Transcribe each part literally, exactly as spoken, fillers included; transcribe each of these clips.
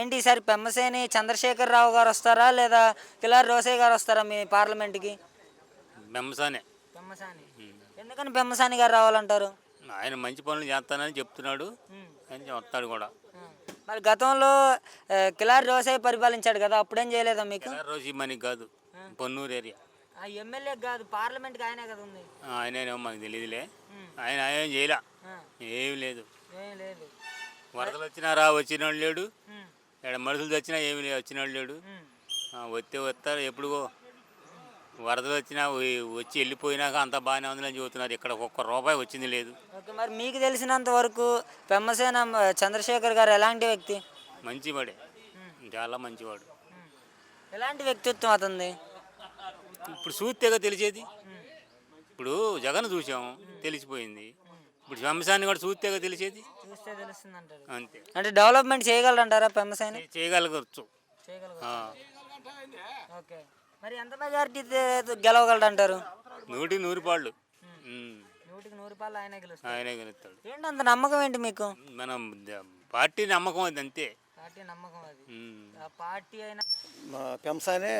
ఏంటి ఈసారి పెమ్మసేని చంద్రశేఖర్ రావు గారు వస్తారా లేదా కిలారి రోసయ్య గారు వస్తారా మీ పార్లమెంట్కి? బెమ్మసానే. పెమ్మసాని. ఉమ్. ఎందుకని పెమ్మసాని గారు రావాలంటారు? ఆయన మంచి పనులు చేస్తానని చెప్తున్నాడు, ఉమ్. అని వస్తాడు కూడా. ఆ. మరి గతంలో ఆ, కిలారి రోసయ్య పరిపాలించాడు కదా, అప్పుడేం చేయలేదా మీకు? ఎలా రోజు మనకి కాదు, పొన్నూరు ఏరియా. ఆ ఎమ్మెల్యే కాదు, పార్లమెంట్కి ఆయనే కదా ఉంది. ఆయనేమో మనకు తెలియదులే. ఉమ్. ఆయన ఏం చేయలే, ఆ, ఏం లేదు. ఏం లేదు. వరదలు వచ్చినా రా వచ్చినోడు లేడు, ఉమ్. ఇక్కడ మనుషులు వచ్చినా ఏమి లేదు వచ్చినోడు లేడు. ఉమ్. ఆ, వస్తే వస్తారు ఎప్పుడు వరదలు వచ్చినా వ- వచ్చి వెళ్ళిపోయినాక అంత బాగానే ఉందని చెబుతున్నారు. ఇక్కడ ఒక్క రూపాయి వచ్చింది లేదు. ఓకే, మరి మీకు తెలిసినంత వరకు పెమ్మసేన చంద్రశేఖర్ గారు ఎలాంటి వ్యక్తి? మంచివాడే, చాలా మంచివాడు. ఉమ్. ఎలాంటి వ్యక్తిత్వం అతనిది? ఇప్పుడు చూస్తేగా తెలిసేది. ఇప్పుడు జగన్ చూసాం తెలిసిపోయింది, ఇప్పుడు శంసాన్ని కూడా చూస్తేగా తెలిసేది. చూస్తే తెలుస్తుంది అంటారు. అంతే. అంటే డెవలప్మెంట్ చేయగలరంటారా పెమ్మసేని? చే- చేయగలగచ్చు. చేయగలరు. ఆ. ఓకే, మరి ఎంత మెజారిటీ గెలవగలడు అంటారు? నూటికి నూరు పాళ్ళు. ఉమ్. నూటికి నూరు రూపాయలు ఆయనే గెలుస్తారు. ఆయనే గెలుస్తాడు. ఏంటి అంత నమ్మకం ఏంటి మీకు? మనం ద- పార్టీ నమ్మకం అది అంతే. పార్టీ నమ్మకం అది. ఉమ్. ఆ పార్టీ అయినా మా పెంసానే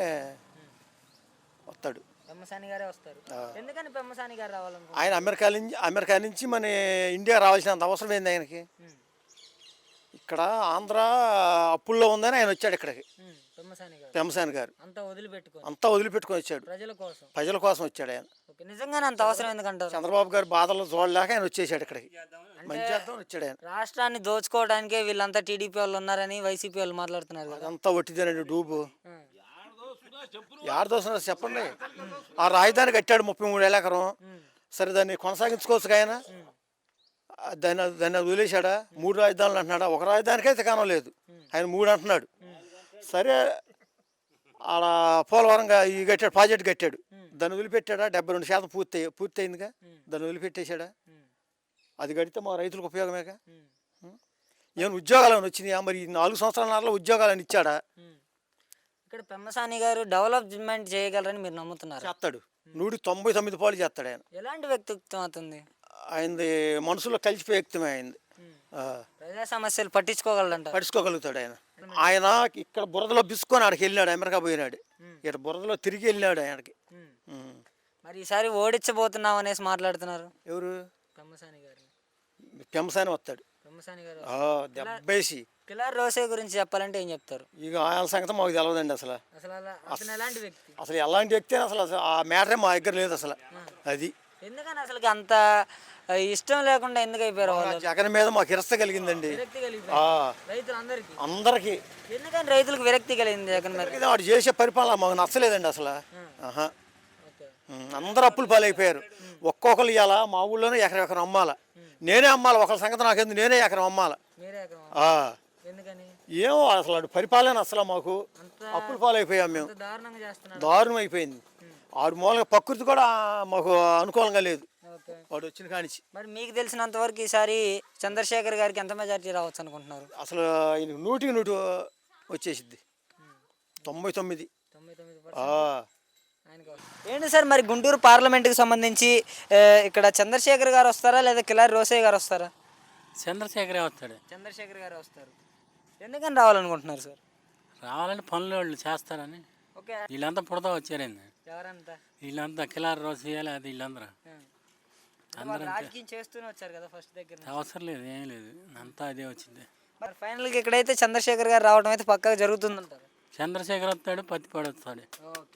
వస్తాడు. పెమ్మసాని గారే వస్తారు. ఎందుకని పెమ్మసాని గారు రావాలనుకుంటున్నారు? ఆయన అమెరికా నుంచి అమెరికా నుంచి మన ఇండియా రావాల్సినంత అవసరం ఏంది ఆయనకి? ఉమ్. ఇక్కడ ఆంధ్ర అప్పుల్లో ఉందని ఆయన వచ్చాడు ఇక్కడికి. ఉమ్. పెమ్మసాని గారు పెంసాని గారు అంతా వదిలిపెట్టుకొని అంతా వదిలిపెట్టుకొని వచ్చాడు, ప్రజల కోసం. ప్రజల కోసం వచ్చాడు ఆయన. ఓకే, నిజంగానే అంత అవసరం ఎందుకంటారు? చంద్రబాబు గారు బాధలు చూడలేక ఆయన వచ్చేసాడు ఇక్కడికి, మంచి చేద్దామని వచ్చాడు ఆయన. రాష్ట్రాన్ని దోచుకోవడానికే వీళ్ళంతా టీడీపీ వాళ్ళు ఉన్నారని వైసీపీ వాళ్ళు మాట్లాడుతున్నారు కదా. అదంతా ఒట్టిదేనండి డూబు. ఉమ్. యాడ దోస్తున్నారు చెప్పండి. ఆ రాజధాని కట్టాడు ముప్పై మూడు ఏళ్ళ ఎకరం. ఉమ్. సరే దాన్ని కొనసాగించుకోవచ్చు ఆయన. ఉమ్. ఆ దాన్ని దాన్ని వదిలేశాడా? మూడు రాజధానులు అంటున్నాడా? ఒక రాజధానికైతే కానం లేదు, ఆయన మూడు అంటున్నాడు. సరే ఆడ పోలవరంగా ఈ కట్టాడు, ప్రాజెక్ట్ కట్టాడు, దాన్ని వదిలిపెట్టాడా? డెబ్బై రెండు శాతం పూర్తి పూర్తి అయిందిగా, దాన్ని వదిలిపెట్టేశాడా? ఉమ్. అది కడితే మా రైతులకు ఉపయోగమేగా. ఉమ్. ఏమైనా ఉద్యోగాలు వచ్చినాయా? మరి ఈ నాలుగు సంవత్సరాల ఉద్యోగాలను ఇచ్చాడా? ఉమ్. ఇక్కడ పెమ్మసాని గారు డెవలప్మెంట్ చేయగలరని మీరు నమ్ముతున్నారు? చేస్తాడు, నూటి తొంభై తొమ్మిది పాలు చేస్తాడు ఆయన. ఎలాంటి వ్యక్తిత్వం అవుతుంది? ఆయనది మనసులో కలిసిపోయే వ్యక్తమే అయింది. ప్రజా సమస్యలు పట్టించుకోగలరంట. పడుచుకోగలుగుతాడు ఆయన. ఆయన ఇక్కడ బురదలో బిసుకొని ఆడికి వెళ్ళినాడు, అమెరికా పోయినాడు. ఇక్కడ బురదలో తిరిగి వెళ్ళినాడు ఆయనకి. ఉమ్. మరి ఈసారి ఓడించబోతున్నాం అనేసి మాట్లాడుతున్నారు ఎవరు? పెమ్మసాని గారు. పెంసాని వస్తాడు. పెమ్మసాని గారు ఆ, దెబ్బేసి. కిలారి రోసయ్య గురించి చెప్పాలంటే ఏం చెప్తారు? ఇక ఆయన సంగతి మాకు తెలియదండి అసలు. అసలు అలా అతను ఎలాంటి వ్యక్తి? అసలు ఎలాంటి వ్యక్తి అని అసలు అసలు ఆ మ్యాటరే మా దగ్గర లేదు అసలు. అది ఎందుకని అసలు అంత ఆ, ఇష్టం లేకుండా ఎందుకు అయిపోయారు ఆ వాళ్ళు? జగన్ మీద మాకు ఇరస్త కలిగిందండి. విరక్తి ఆ, కలిగిపోయింది రైతులందరికీ. అందరికి ఎందుకని రైతులకు విరక్తి కలిగింది జగన్ మీద? ఇది వాడు చేసే పరిపాలన మాకు నచ్చలేదండి అసలు. ఆహా. ఓకే. ఉమ్, అందరు అప్పులు పాలైపోయారు. ఒక్కొక్కరు ఇవ్వాలా, మా ఊళ్ళోనే ఎకరం ఎకరం అమ్మాల. నేనే అమ్మాలి, ఒకరి సంగతి నాకేంది, నేనే ఎకరం అమ్మాల. మీరే ఎకరం ఆ. ఎందుకని? ఏమో అసలు వాడి పరిపాలన అసలు మాకు అంత అప్పులు పాలైపోయాం మేము. అంత దారుణంగా చేస్తున్నారు. దారుణం అయిపోయింది. ఆడు మూలంగా ప్రకృతి కూడా మాకు అనుకూలంగా లేదు ఓకే, వాడు వచ్చిన కానిచ్చి. మరి మీకు తెలిసినంత వరకు ఈసారి చంద్రశేఖర్ గారికి ఎంత మెజారిటీ రావచ్చు అనుకుంటున్నారు? అసలు ఆయన నూటికి నూటి వచ్చేసిద్ది, తొంభై తొమ్మిది. తొంభై తొమ్మిది ఆ. ఆయనకి వస్తుంది. ఏంటి సార్ మరి గుంటూరు పార్లమెంట్కి సంబంధించి ఆ, ఇక్కడ చంద్రశేఖర్ గారు వస్తారా లేదా కిలారి రోసయ్య గారు వస్తారా? చంద్రశేఖరే వస్తాడు. చంద్రశేఖర్ గారు వస్తారు. ఎందుకని రావాలనుకుంటున్నారు సార్? రావాలని పనులు వాళ్ళు చేస్తారని. ఓకే, వీళ్ళంతా పుడతా వచ్చారండి, ఎవరంతా? వీళ్ళంతా కిలారి రోజు చేయాలి, అది వీళ్ళందరూ వాళ్ళు రాజకీయం చేస్తూనే వచ్చారు కదా ఫస్ట్ దగ్గర నుంచి. అవసరం లేదు, ఏం లేదు, అంతా అదే వచ్చింది. మరి ఫైనల్గా ఇక్కడైతే చంద్రశేఖర్ గారు రావడం అయితే పక్కా జరుగుతుందంటారు. చంద్రశేఖర్ వస్తాడు, పత్తిపాడు వస్తాడు. ఓకే.